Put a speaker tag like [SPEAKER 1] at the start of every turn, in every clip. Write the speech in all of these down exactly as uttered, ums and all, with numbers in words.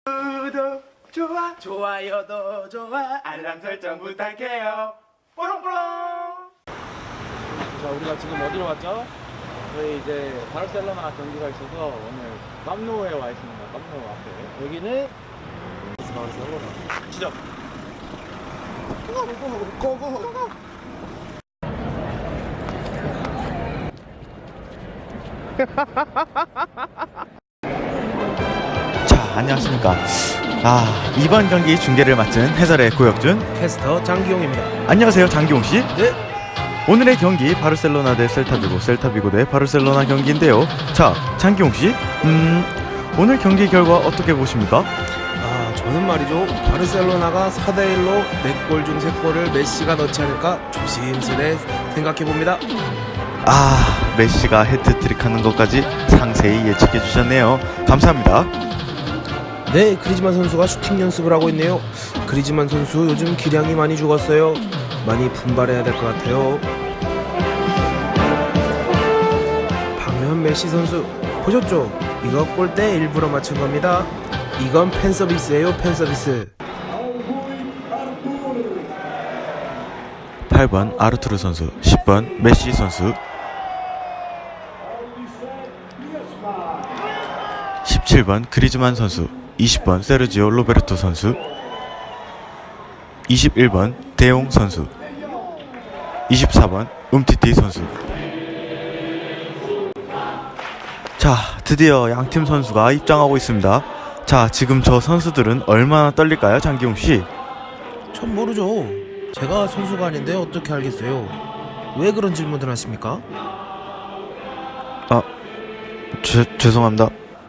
[SPEAKER 1] 구독 좋아 좋아요도 좋아 알람 설정 부탁해요. 뽀롱뽀롱.
[SPEAKER 2] 자, 우리가 지금 어디로 왔죠? 저희 이제 바르셀로나 경기가 있어서 오늘 깜노에 와 있습니다. 깜노 앞에. 여기는 바르셀로나. 시작. 고고고고고.
[SPEAKER 3] 자, 안녕하십니까. 아, 이번 경기 중계를 맡은 해설의 고혁준,
[SPEAKER 4] 캐스터 장기용입니다.
[SPEAKER 3] 안녕하세요, 장기용씨.
[SPEAKER 4] 네.
[SPEAKER 3] 오늘의 경기 바르셀로나 대 셀타비고, 셀타비고 대 바르셀로나 경기인데요. 자, 장기용씨, 음 오늘 경기 결과 어떻게 보십니까?
[SPEAKER 4] 아, 저는 말이죠, 바르셀로나가 사 대 일로 네 골 중 세 골을 메시가 넣지 않을까 조심스레 생각해봅니다.
[SPEAKER 3] 아, 메시가 해트트릭하는 것까지 상세히 예측해 주셨네요. 감사합니다.
[SPEAKER 4] 네, 그리즈만 선수가 슈팅 연습을 하고 있네요. 그리즈만 선수 요즘 기량이 많이 죽었어요. 많이 분발해야 될 것 같아요. 방면 메시 선수 보셨죠? 이거 골대 일부러 맞춘 겁니다. 이건 팬서비스예요, 팬서비스.
[SPEAKER 3] 팔 번 아르투르 선수, 십 번 메시 선수, 십칠 번 그리즈만 선수, 이십 번 세르지오 로베르토 선수, 이십일 번 데용 선수, 이십사 번 움티티 선수. 자, 드디어 양팀 선수가 입장하고 있습니다. 자, 지금 저 선수들은 얼마나 떨릴까요, 장기용씨?
[SPEAKER 4] 전 모르죠. 제가 선수가 아닌데 어떻게 알겠어요? 왜 그런 질문을 하십니까?
[SPEAKER 3] 아, 죄, 죄송합니다.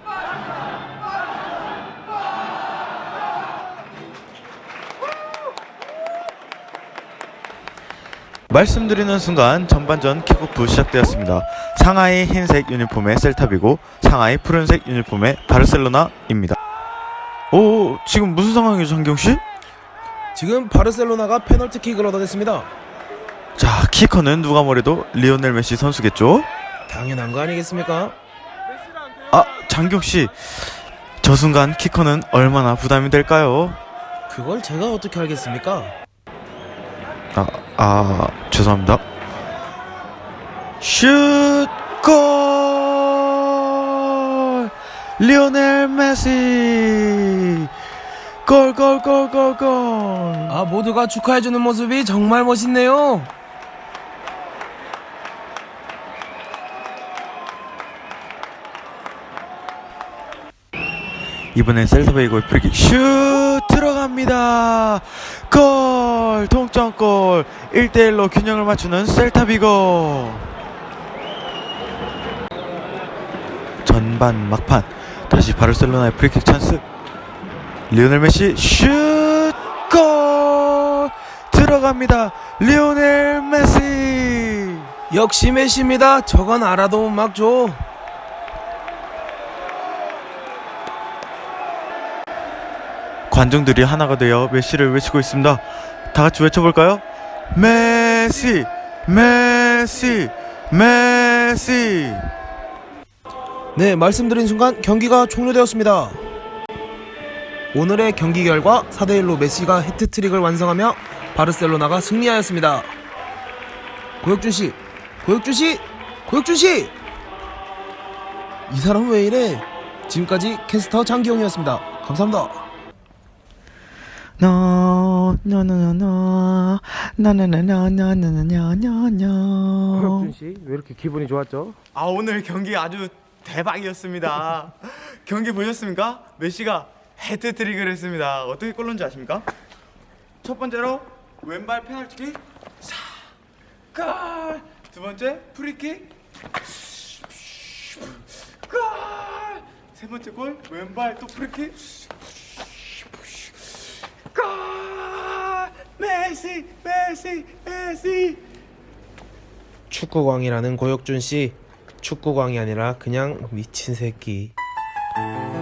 [SPEAKER 3] 말씀드리는 순간 전반전 킥오프 시작되었습니다. 상하이 흰색 유니폼의 셀타비고, 상하이 푸른색 유니폼의 바르셀로나입니다. 오, 지금 무슨 상황이죠, 장경씨?
[SPEAKER 4] 지금 바르셀로나가 페널티킥을 얻어냈습니다.
[SPEAKER 3] 자, 키커는 누가 뭐래도 리오넬 메시 선수겠죠?
[SPEAKER 4] 당연한 거 아니겠습니까?
[SPEAKER 3] 아, 장경씨, 저 순간 키커는 얼마나 부담이 될까요?
[SPEAKER 4] 그걸 제가 어떻게 알겠습니까?
[SPEAKER 3] 아, 아, 죄송합니다. 슛! 골! 리오넬 메시! 골, 골, 골, 골, 골!
[SPEAKER 4] 아, 모두가 축하해주는 모습이 정말 멋있네요.
[SPEAKER 3] 이번엔 셀타베이고의 프리킥 슛! 들어갑니다! 골! 동점골! 일 대 일로 균형을 맞추는 셀타비고! 전반 막판, 다시 바르셀로나의 프리킥 찬스. 리오넬 메시 슛! 골! 들어갑니다! 리오넬 메시!
[SPEAKER 4] 역시 메시입니다. 저건 알아도 못 막죠.
[SPEAKER 3] 관중들이 하나가 되어 메시를 외치고 있습니다. 다 같이 외쳐볼까요? 메시! 메시! 메시!
[SPEAKER 4] 네, 말씀드린 순간 경기가 종료되었습니다. 오늘의 경기 결과 사 대 일로 메시가 해트트릭을 완성하며 바르셀로나가 승리하였습니다. 고혁준씨, 고혁준씨, 고혁준씨! 이 사람 왜 이래? 지금까지 캐스터 장기용이었습니다. 감사합니다.
[SPEAKER 3] No, no, no, no, no, no, no, no, no, no, no, no, no, no.
[SPEAKER 2] 고혁준씨, 왜 이렇게 기분이 좋았죠?
[SPEAKER 1] 아, 오늘 경기 아주 대박이었습니다. 경기 보셨습니까? 메시가 헤트트릭을 했습니다. 어떻게 골 넣은지 아십니까? 첫 번째로 왼발 페널티킥, 사, 골. 두 번째 프리킥, 골. 세 번째 골 왼발 또 프리킥, 골. 메시, 메시, 메시.
[SPEAKER 4] 축구광이라는 고혁준씨, 축구광이 아니라 그냥 미친 새끼.